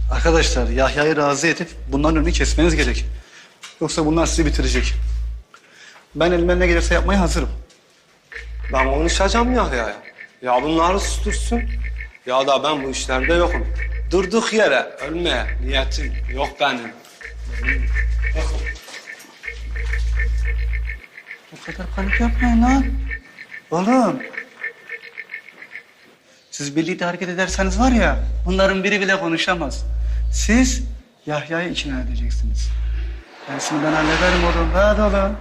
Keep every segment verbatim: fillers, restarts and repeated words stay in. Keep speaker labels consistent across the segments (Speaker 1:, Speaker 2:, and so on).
Speaker 1: Arkadaşlar Yahya'yı razı edip bunların önünü kesmeniz gerek. Yoksa bunlar sizi bitirecek. Ben elimden ne gelirse yapmaya hazırım.
Speaker 2: Ben konuşacağım Yahya'ya. Ya bunları sustursun ya da ben bu işlerde yokum. Durduk yere ölmeye niyetim yok benim.
Speaker 1: O kadar panik yapmayın lan. Oğlum. Siz birlikte hareket ederseniz var ya, bunların biri bile konuşamaz. Siz Yahya'yı ikna edeceksiniz. Dersini ben hallederim oğlum. Hadi oğlum.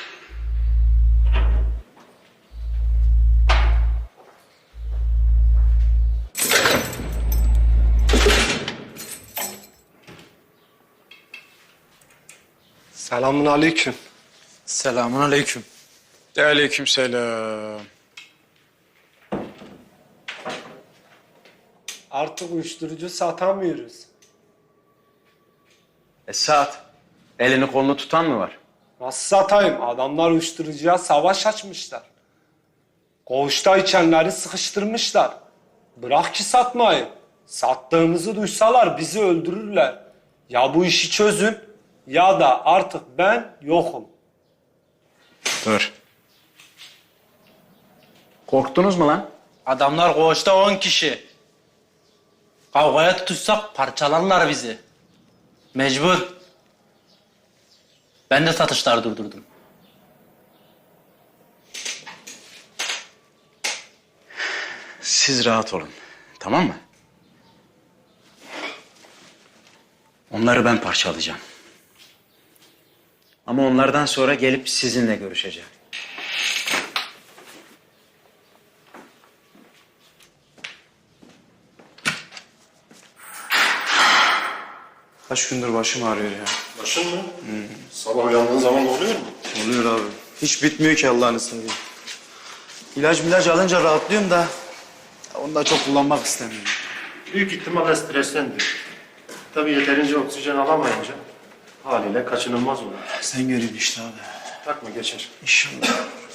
Speaker 2: Selamun aleyküm.
Speaker 3: Selamun aleyküm.
Speaker 4: De aleyküm selam.
Speaker 2: Artık uyuşturucu satamıyoruz.
Speaker 3: Esat, elini kolunu tutan mı var?
Speaker 2: Nasıl satayım? Adamlar uyuşturucuya savaş açmışlar. Koğuşta içenleri sıkıştırmışlar. Bırak ki satmayı. Sattığımızı duysalar bizi öldürürler. Ya bu işi çözün ya da artık ben yokum.
Speaker 3: Dur. Korktunuz mu lan?
Speaker 5: Adamlar koğuşta on kişi. Kavgaya tutuşsak parçalarlar bizi. Mecbur. Ben de satışlar durdurdum.
Speaker 3: Siz rahat olun, tamam mı? Onları ben parçalayacağım. Ama onlardan sonra gelip sizinle görüşeceğim.
Speaker 4: Kaç gündür başım ağrıyor ya.
Speaker 6: Başın mı? Hmm. Sabah uyandığın zaman oluyor mu?
Speaker 4: Oluyor abi. Hiç bitmiyor ki Allah'ını seveyim. İlaç milaç alınca rahatlıyorum da onu da çok kullanmak istemiyorum.
Speaker 6: Büyük ihtimalle strestendir. Tabii yeterince oksijen alamayınca haliyle kaçınılmaz olur.
Speaker 4: Sen görüyorsun işte abi.
Speaker 6: Takma geçer.
Speaker 4: İnşallah.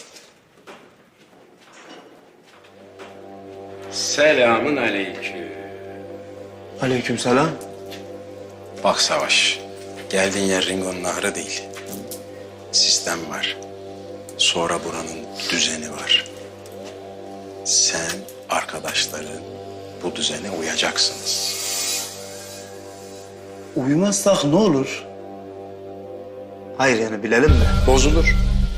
Speaker 3: Selamun aleyküm.
Speaker 4: Aleykümselam.
Speaker 3: Bak Savaş, geldiğin yer Ringo'nun ahırı değil. Sistem var. Sonra buranın düzeni var. Sen, arkadaşların bu düzene uyacaksınız.
Speaker 4: Uyumazsak ne olur? Hayır yani bilelim de.
Speaker 3: Bozulur.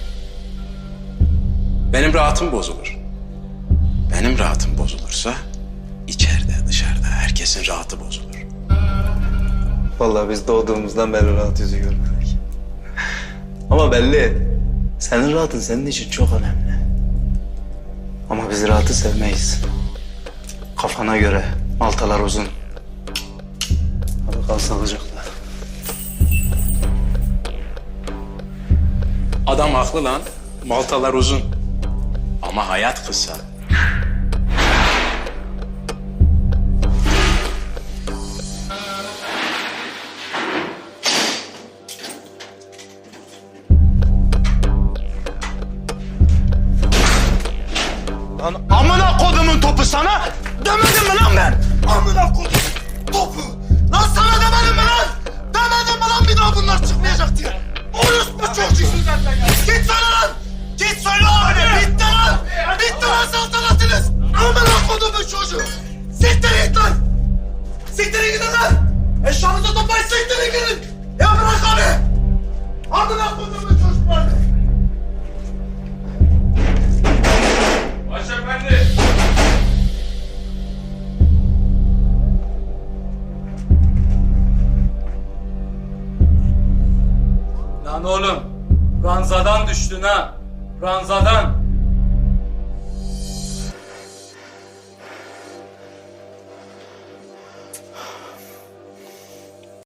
Speaker 3: Benim rahatım bozulur. Benim rahatım bozulursa içeride dışarıda herkesin rahatı bozulur.
Speaker 4: Vallahi biz doğduğumuzdan beri rahat yüzü görmedik. Ama belli. Senin rahatın senin için çok önemli. Ama biz rahatı sevmeyiz. Kafana göre maltalar uzun. Hadi kal sağlıcakla.
Speaker 3: Adam haklı lan. Maltalar uzun. Ama hayat kısa.
Speaker 7: Lan amına kodumun topu sana demedim mi lan ben? Amına kodum topu. Lan sana demedim mi lan? Demedim mi lan bir daha bunlar çıkmayacak diye? Orospu çocuğu. Git söyle lan. Git söyle abi. Bitti lan. Bitti lan saltanatınız. Amına kodumun çocuğu. Siktir git lan. Siktirin gidin lan. Eşyanızı toplayın siktirin gidin. Ya bırak abi. Amına kodumun çocuklar.
Speaker 5: Lan oğlum, ranzadan düştün ha. Ranzadan.